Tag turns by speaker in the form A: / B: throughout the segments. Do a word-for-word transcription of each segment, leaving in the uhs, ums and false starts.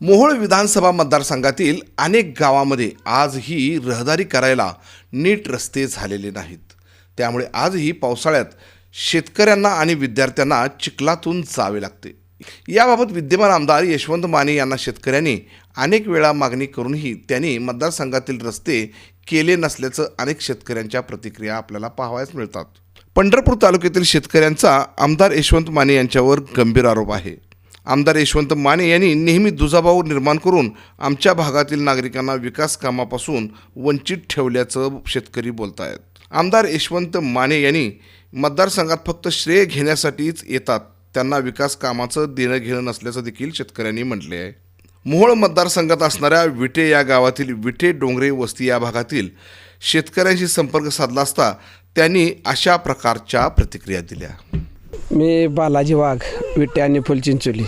A: मोहोळ विधानसभा मतदारसंघातील अनेक गावांमध्ये आजही रहदारी करायला नीट रस्ते झालेले नाहीत. त्यामुळे आजही पावसाळ्यात शेतकऱ्यांना आणि विद्यार्थ्यांना चिखलातून जावे लागते. याबाबत विद्यमान आमदार यशवंत माने यांना शेतकऱ्यांनी अनेक वेळा मागणी करूनही त्यांनी मतदारसंघातील रस्ते केले नसल्याचं अनेक शेतकऱ्यांच्या प्रतिक्रिया आपल्याला पाहावयास मिळतात. पंढरपूर तालुक्यातील शेतकऱ्यांचा आमदार यशवंत माने यांच्यावर गंभीर आरोप आहे. आमदार यशवंत माने यांनी नेहमी दुजाभाव निर्माण करून आमच्या भागातील नागरिकांना विकास कामापासून वंचित ठेवल्याचं शेतकरी बोलत आहेत. आमदार यशवंत माने यांनी मतदारसंघात फक्त श्रेय घेण्यासाठीच येतात. त्यांना विकास कामाचं देणं घेणं नसल्याचं देखील शेतकऱ्यांनी म्हटले आहे. मोहोळ मतदारसंघात असणाऱ्या विटे या गावातील विटे डोंगरे वस्ती या भागातील शेतकऱ्यांशी संपर्क साधला असता त्यांनी अशा प्रकारच्या प्रतिक्रिया दिल्या.
B: मी बालाजी वाघ, विटे आणि फुलचिंचोली.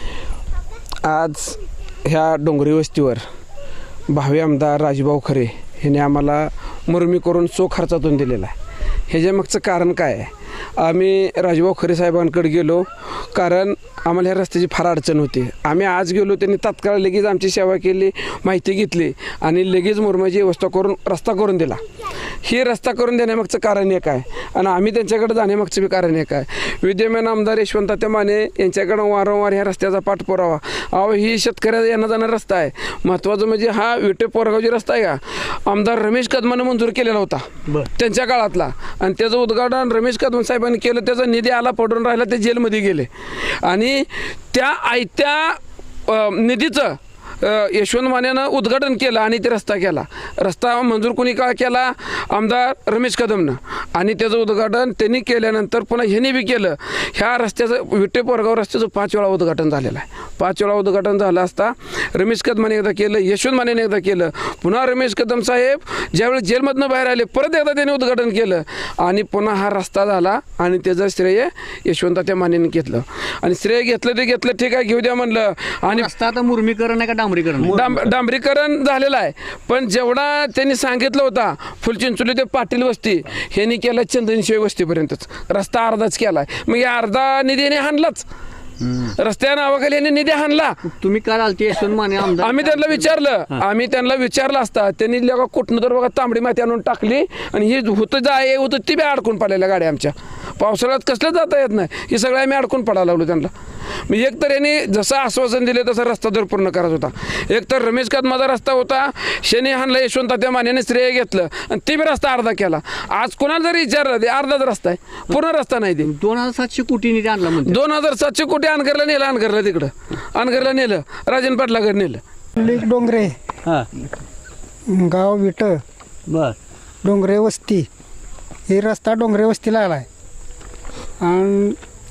B: आज ह्या डोंगरी वस्तीवर भावी आमदार राजूभाऊ खरे ह्याने आम्हाला मुरमी करून चोख खर्चातून दिलेला आहे. ह्याच्यामागचं कारण काय आहे? आम्ही राजूभाऊ खरे साहेबांकडे गेलो कारण आम्हाला ह्या रस्त्याची फार अडचण होती. आम्ही आज गेलो, त्यांनी तात्काळ लगेच आमची सेवा केली, माहिती घेतली आणि लगेच मुरमाची व्यवस्था करून रस्ता करून दिला. हे रस्ता करून देण्यामागचं कारण एक आहे आणि आम्ही त्यांच्याकडे जाण्यामागचं बी कारण एक आहे. विद्यमान आमदार यशवंत माने यांच्याकडं वारंवार ह्या रस्त्याचा पाठपुरावा. अहो, ही शेतकऱ्याचा येणं जाणं रस्ता आहे. महत्त्वाचं म्हणजे हा विटे पोरगावची रस्ता आहे का, आमदार रमेश कदमानं मंजूर केलेला होता त्यांच्या काळातला, आणि त्याचं उद्घाटन रमेश कदम साहेबांनी केलं. त्याचा निधी आला, पडून राहिला, ते जेलमध्ये गेले आणि त्या आयत्या निधीचं यशवंत मानेनं उद्घाटन केलं आणि ते रस्ता केला. रस्ता मंजूर कोणी का केला? आमदार रमेश कदमनं. आणि त्याचं उद्घाटन त्यांनी केल्यानंतर पुन्हा ह्यांनी बी केलं. ह्या रस्त्याचं विटे पोरगाव रस्त्याचं पाच वेळा उद्घाटन झालेलं आहे. पाच वेळा उद्घाटन झालं असता रमेश कदमाने एकदा केलं, यशवंत मानेने एकदा केलं, पुन्हा रमेश कदम साहेब ज्यावेळी जेलमधनं बाहेर आले परत एकदा त्यांनी उद्घाटन केलं आणि पुन्हा हा रस्ता झाला आणि त्याचं श्रेय यशवंत त्या मानेने घेतलं. आणि श्रेय घेतलं ते घेतलं, ठीक आहे, घेऊ द्या म्हणलं. आणि
C: रस्ता आता मुरमीकरण आहे का डांबरीकरण?
B: डांब डांबरीकरण झालेलं आहे, पण जेवढा त्यांनी सांगितलं होता फुलचिंचोली ते पाटील वस्ती ह्यांनी केलं चंदनशिवाय वस्तीपर्यंतच रस्ता अर्धाच केला आहे. मग या अर्धा निधीने हाणलाच, रस्त्या नावाखाली यांनी निधी हाणला.
C: तुम्ही काय आलते यशवंत माने आमदार?
B: आम्ही त्यांना विचारलं आम्ही त्यांना विचारलं असता त्यांनी बघा कुठनं तर बघा तांबडी माती आणून टाकली आणि हे होतं जाय होतं ती बी अडकून पडलेल्या गाड्या आमच्या. पावसाळ्यात कसलं जाता येत नाही, हे सगळं आम्ही अडकून पडायला लागलो त्यांना. मी एक तर यांनी जसं आश्वासन दिले तसं रस्ता दर पूर्ण करत होता. एक तर रमेश कदमाचा रस्ता होता, शनी हाणला यशवंत त्या मानेने श्रेय घेतलं आणि ते बी रस्ता अर्धा केला. आज कोणाला जरी विचारलं ते अर्धाच रस्ता आहे, पूर्ण रस्ता नाही. ते
C: दोन हजार सातशे कोटी निधी आणला म्हणते.
B: दोन हजार सातशे कोटी अनगरला नेलं, अनगरला तिकडं अनगरला नेलं, राजन पाटलाकडे नेलं.
D: डोंगरे
C: हां,
D: गाव विट
C: बर,
D: डोंगरे वस्ती, हे रस्ता डोंगरे वस्तीला आला आहे आणि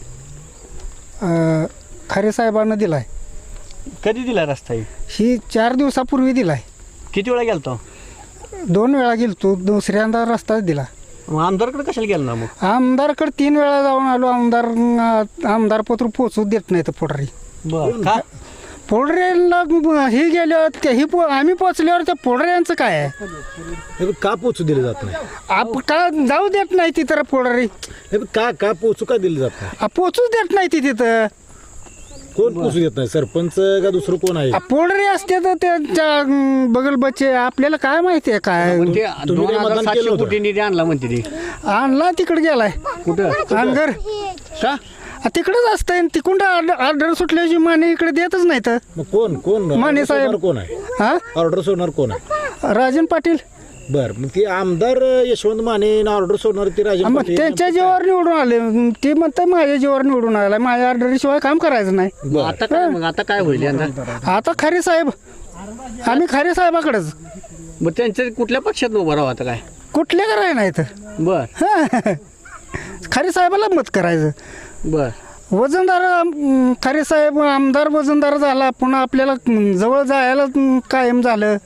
D: खरे साहेबांना दिला आहे.
C: कधी दिला रस्ता?
D: ही चार दिवसापूर्वी दिला आहे.
C: किती वेळा गेलतो?
D: दोन वेळा गेलो तो, दुसऱ्यांदा रस्ताच दिला.
C: मग आमदारकडे कशाला गेला ना? मग
D: आमदारकडे तीन वेळा जाऊन आलो, आमदार आमदार पत्र पोचू देत नाही तर पोटरी
C: बर का
D: पोडऱ्यांना हे गेल्यावर ते ही पो आम्ही पोचल्यावर त्या पोडऱ्यांचं काय आहे?
E: का पोचू दिलं जात नाही?
D: आप का जाऊ देत नाही ती तर पोडरी
E: का का पोचू का दिलं जात नाही?
D: पोचूच देत नाही ती तिथं.
E: कोण पोचू देत नाही? सरपंच का दुसरं कोण आहे?
D: पोडरे असते तर त्यांच्या बगल बच्चे आपल्याला काय माहिती आहे काय
C: पण ते
E: तुम्ही
C: दोन
E: काय
C: हजार
E: मतदान
C: सातशे
E: केलं होतं?
C: कोटी निधी आणला म्हणते ती.
D: आणला तिकडे गेलाय
C: कुठं?
D: अनगर
C: का?
D: तिकडेच असतंय. तिकडून ऑर्डर सुटल्याची माने इकडे देतच नाही तर.
E: मग कोण कोण
D: माने
E: order
D: साहेब.
E: सोडणार कोण आहे?
D: हा
E: ऑर्डर सोडणार कोण आहे?
D: राजन पाटील.
E: बर, मग ते आमदार यशवंत माने ऑर्डर सोडणार ते राजन
D: मग
E: पाटील.
D: त्यांच्या जीवावर निवडून आले, ते म्हणतात माझ्या जीवावर निवडून आला, माझ्या ऑर्डरशिवाय काम करायचं नाही.
C: मग आता काय? मग आता काय होईल यंदा?
D: आता खरे साहेब, आम्ही खरे साहेबाकडेच.
C: मग त्यांच्या कुठल्या पक्षात उभं राहा आता काय?
D: कुठले कराय नाही तर
C: बर
D: खरे साहेबाला मत करायचं.
C: बर
D: वजनदार अं, खरे साहेब आमदार वजनदार झाला, पुन्हा आपल्याला अं, जवळ जायला अं, कायम झालं.